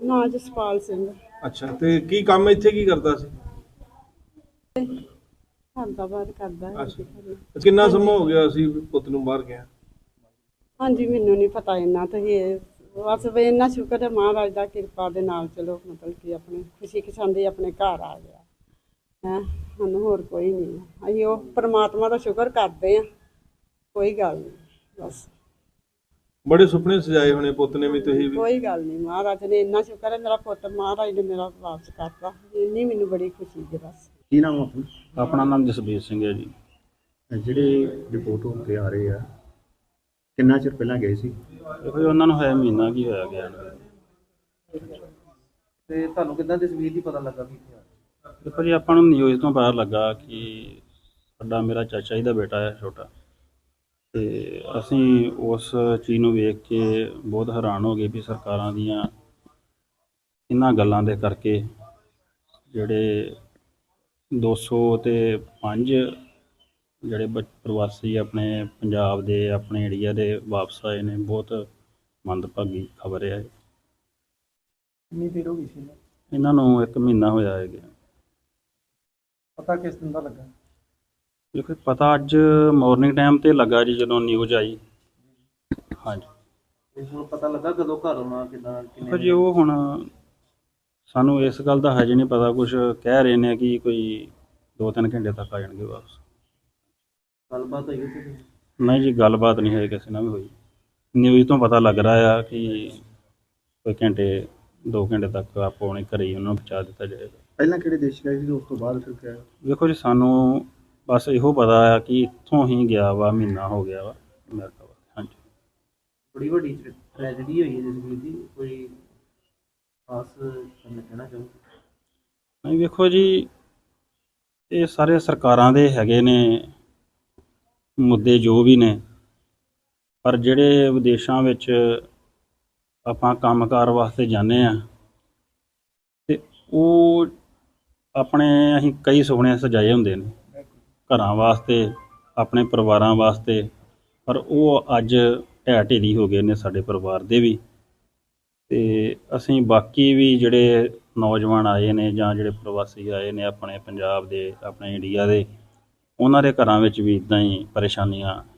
ਨਾ ਜਸਪਾਲ ਸਿੰਘ। ਅੱਛਾ, ਤੇ ਕੀ ਕੰਮ ਇੱਥੇ ਕੀ ਕਰਦਾ ਸੀ? ਘਰ ਬਾਹਰ ਕਰਦਾ ਹੈ ਅੱਛਾ, ਜੀ। ਤੇ ਕਿੰਨਾ ਸਮਾਂ ਹੋ ਗਿਆ ਸੀ ਪੁੱਤ ਨੂੰ ਬਾਹਰ ਗਿਆ? ਹਾਂਜੀ, ਮੈਨੂੰ ਨਹੀਂ ਪਤਾ ਇੰਨਾ ਤਾਂ ਇਹ ਬਸ ਵੀ ਇੰਨਾ ਸ਼ੁਕਰ ਹੈ ਮਹਾਰਾਜ ਦਾ ਕਿਰਪਾ ਦੇ ਨਾਲ, ਚਲੋ ਮਤਲਬ ਕਿ ਆਪਣੇ ਖੁਸ਼ੀ ਖਸ਼ਾਂਦੀ ਆਪਣੇ ਘਰ ਆ ਗਿਆ ਹੈ। ਸਾਨੂੰ ਹੋਰ ਕੋਈ ਨਹੀਂ, ਅਸੀਂ ਉਹ ਪਰਮਾਤਮਾ ਦਾ ਸ਼ੁਕਰ ਕਰਦੇ ਹਾਂ, ਕੋਈ ਗੱਲ ਨਹੀਂ ਬਸ। ਬੜੇ ਸੁਪਨੇ ਸਜਾਏ ਹੋਣੇ ਪੁੱਤ ਨੇ ਵੀ, ਤੁਸੀਂ ਵੀ? ਕੋਈ ਗੱਲ ਨਹੀਂ, ਮਹਾਰਾਜ ਨੇ ਇੰਨਾ ਸ਼ੁਕਰ ਹੈ ਮੇਰਾ ਪੁੱਤ ਮਹਾਰਾਜ ਨੇ ਮੇਰਾ ਵਾਪਸ ਕਰਤਾ, ਇੰਨੀ ਮੈਨੂੰ ਬੜੀ ਖੁਸ਼ੀ ਹੈ ਬਸ। ਕੀ ਨਾਮ ਆਪਣਾ? ਆਪਣਾ ਨਾਮ ਜਸਬੀਰ ਸਿੰਘ ਹੈ ਜੀ। ਜਿਹੜੇ ਰਿਪੋਰਟ ਹੋ ਕੇ ਆ ਰਹੇ ਆ, ਕਿੰਨਾ ਚਿਰ ਪਹਿਲਾਂ ਗਏ ਸੀ? ਦੇਖੋ ਜੀ, ਉਹਨਾਂ ਨੂੰ ਹੋਇਆ ਮਹੀਨਾ ਕੀ ਹੋਇਆ ਗਿਆ ਨੂੰ। ਤੇ ਤੁਹਾਨੂੰ ਕਿੱਦਾਂ ਤਸਵੀਰ ਦੀ ਪਤਾ ਲੱਗਾ ਵੀ ਇੱਥੇ ਆ? ਦੇਖੋ ਜੀ, ਆਪਾਂ ਨੂੰ ਨਿਊਜ਼ ਤੋਂ ਪਤਾ ਲੱਗਾ ਕਿ ਸਾਡਾ ਮੇਰਾ ਚਾਚਾ ਜੀ ਦਾ ਬੇਟਾ ਹੈ ਛੋਟਾ, ਤੇ ਅਸੀਂ ਉਸ ਚੀਜ਼ ਨੂੰ ਵੇਖ ਕੇ ਬਹੁਤ ਹੈਰਾਨ ਹੋ ਗਏ ਵੀ ਸਰਕਾਰਾਂ ਦੀਆਂ ਇਹਨਾਂ ਗੱਲਾਂ ਦੇ ਕਰਕੇ ਜਿਹੜੇ 205 ਜਿਹੜੇ ਪ੍ਰਵਾਸੀ ਆਪਣੇ ਪੰਜਾਬ ਦੇ ਆਪਣੇ ਏਰੀਆ ਦੇ ਵਾਪਸ ਆਏ ਨੇ, ਬਹੁਤ ਮੰਦਭਾਗੀ ਖਬਰ ਹੈ। ਕਿੰਨੀ ਦੇਰ ਹੋ ਗਈ ਸੀ ਇਹਨੂੰ? ਇਹਨਾਂ ਨੂੰ 1 ਮਹੀਨਾ ਹੋਇਆ ਹੈ ਗਿਆ। ਪਤਾ ਕਿਸ ਦਿਨ ਦਾ ਲੱਗਾ? ਦੇਖੋ ਪਤਾ ਅੱਜ ਮਾਰਨਿੰਗ ਟਾਈਮ ਤੇ ਲੱਗਾ ਜੀ, ਜਦੋਂ ਨਿਊਜ਼ ਆਈ। ਹਾਂਜੀ, ਤੇ ਹੁਣ ਪਤਾ ਲੱਗਾ ਕਦੋਂ ਘਰ ਆਉਣਾ, ਕਿੱਦਾਂ ਦੇਖੋ ਜੀ, ਉਹ ਹੁਣ ਸਾਨੂੰ ਇਸ ਗੱਲ ਦਾ ਹਜੇ ਨਹੀਂ ਪਤਾ। ਕੁਝ ਕਹਿ ਰਹੇ ਨੇ ਕਿ ਕੋਈ 2-3 ਘੰਟੇ ਤੱਕ ਆ ਜਾਣਗੇ ਵਾਪਸ। ਗੱਲਬਾਤ ਹੋਈ ਉੱਥੇ? ਨਹੀਂ ਜੀ, ਗੱਲਬਾਤ ਨਹੀਂ ਹੋਈ ਕਿਸੇ ਨਾਲ ਵੀ ਹੋਈ। ਨਿਊਜ਼ ਤੋਂ ਪਤਾ ਲੱਗ ਰਿਹਾ ਆ ਕਿ ਕੋਈ 2 ਘੰਟੇ ਤੱਕ ਆਪੋ ਆਪਣੇ ਘਰੇ ਹੀ ਉਹਨਾਂ ਨੂੰ ਪਹੁੰਚਾ ਦਿੱਤਾ ਜਾਏਗਾ। ਪਹਿਲਾਂ ਕਿਹੜੇ ਦੇਸ਼ ਗਏ ਸੀ, ਉਸ ਤੋਂ ਬਾਅਦ ਫਿਰ ਕਿਹਾ? ਦੇਖੋ ਜੀ, ਸਾਨੂੰ ਬਸ ਇਹੋ ਪਤਾ ਆ ਕਿ ਇੱਥੋਂ ਹੀ ਗਿਆ ਵਾ, ਮਹੀਨਾ ਹੋ ਗਿਆ ਵਾ ਅਮਰੀਕਾ ਵਾ। ਹਾਂਜੀ, ਬੜੀ ਵੱਡੀ ਟ੍ਰੈਜਡੀ ਹੋਈ ਹੈ ਜਸਵੀਰ ਦੀ, ਕੋਈ ਖਾਸ ਕਹਿਣਾ ਚਾਹੋ? ਨਹੀਂ ਵੇਖੋ ਜੀ, ਇਹ ਸਾਰੇ ਸਰਕਾਰਾਂ ਦੇ ਹੈਗੇ ਨੇ ਮੁੱਦੇ ਜੋ ਵੀ ਨੇ, ਪਰ ਜਿਹੜੇ ਵਿਦੇਸ਼ਾਂ ਵਿੱਚ ਆਪਾਂ ਕੰਮਕਾਰ ਵਾਸਤੇ ਜਾਂਦੇ ਆ, ਤੇ ਉਹ ਆਪਣੇ ਅਸੀਂ ਕਈ ਸੁਪਨੇ ਸਜਾਏ ਹੁੰਦੇ ਨੇ ਘਰਾਂ ਵਾਸਤੇ, ਆਪਣੇ ਪਰਿਵਾਰਾਂ ਵਾਸਤੇ, ਪਰ ਉਹ ਅੱਜ ਢਹਿ ਢੇਰੀ ਹੋ ਗਏ ਨੇ ਸਾਡੇ ਪਰਿਵਾਰ ਦੇ ਵੀ। ਤੇ ਅਸੀਂ ਬਾਕੀ ਵੀ ਜਿਹੜੇ ਨੌਜਵਾਨ ਆਏ ਨੇ ਜਾਂ ਜਿਹੜੇ ਪ੍ਰਵਾਸੀ ਆਏ ਨੇ ਆਪਣੇ ਪੰਜਾਬ ਦੇ, ਆਪਣੇ ਇੰਡੀਆ ਦੇ, ਉਹਨਾਂ ਦੇ ਘਰਾਂ ਵਿੱਚ ਵੀ ਇੱਦਾਂ ਹੀ ਪਰੇਸ਼ਾਨੀਆਂ